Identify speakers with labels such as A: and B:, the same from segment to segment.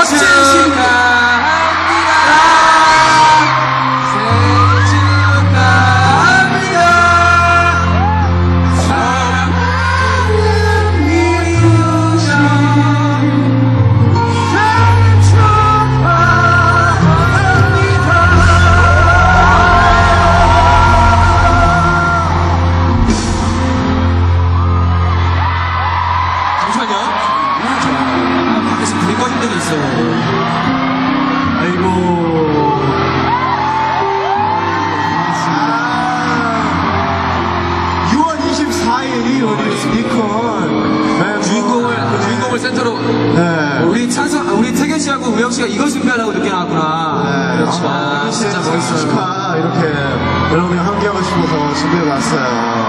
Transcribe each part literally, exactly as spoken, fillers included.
A: 센터로
B: 네.
A: 우리 찬성 우리 태견 씨하고 우영 씨가 이걸 준비하려고 늦게 나왔구나.
B: 네.
A: 그렇죠.
B: 아,
A: 진짜 멋있어요.
B: 축하 이렇게 여러분이 함께하고 싶어서 준비해봤어요.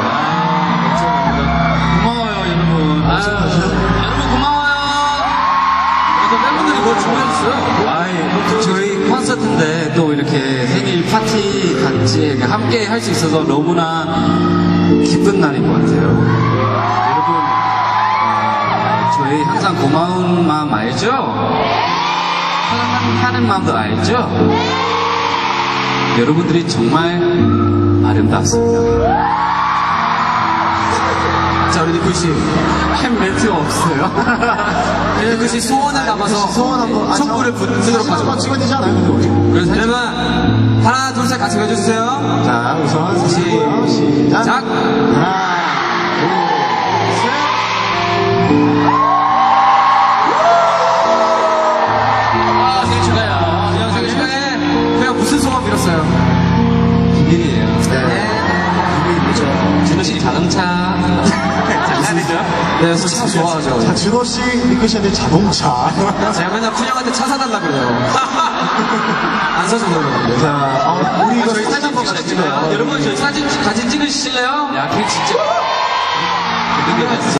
C: 고마워요, 여러분.
A: 아,
C: 여러분 고마워요.
A: 그래서 팬분들이 뭘 준비해줬어요.
C: 아이, 저희 콘서트인데 또 이렇게 생일 파티 같이 이렇게 함께 할 수 있어서 너무나 기쁜 날인 것 같아요. 저희 항상 고마운 마음 알죠? 사랑하는 마음도 알죠? 여러분들이 정말 아름답습니다.
A: 자, 우리 니쿠 씨.
C: 햄 멘트가 없어요.
A: 니쿠 씨 소원을 담아서
B: 소원 한번
A: 촛불을 붙이도록 하죠.
B: 찍으면 되지 않아요?
A: 그래서 여러분 하나 둘 셋 같이 해주세요.
B: 자, 우선 서시고요. 시작.
A: 시작.
B: 하나,
C: 아, 생일 축하해요.
A: 그냥 생일 축하해. 그냥 무슨 소원 빌었어요?
C: 비밀이에요.
A: 네.
B: 비밀이죠.
C: 준호 씨 자동차 잘 타시죠?
A: 네, 차 좋아하죠.
B: 자, 준호 씨, 니크 씨한테 자동차.
A: 제가 맨날 쿤형한테 차 사달라 그래요. 안 사줘서 그러는데.
B: 자, 어, 우리 이거
C: 저희
B: 사진
C: 사진
B: 한번 같이 찍어요.
C: 여러분 저희 사진 같이 찍으실래요? 야, 걔 진짜.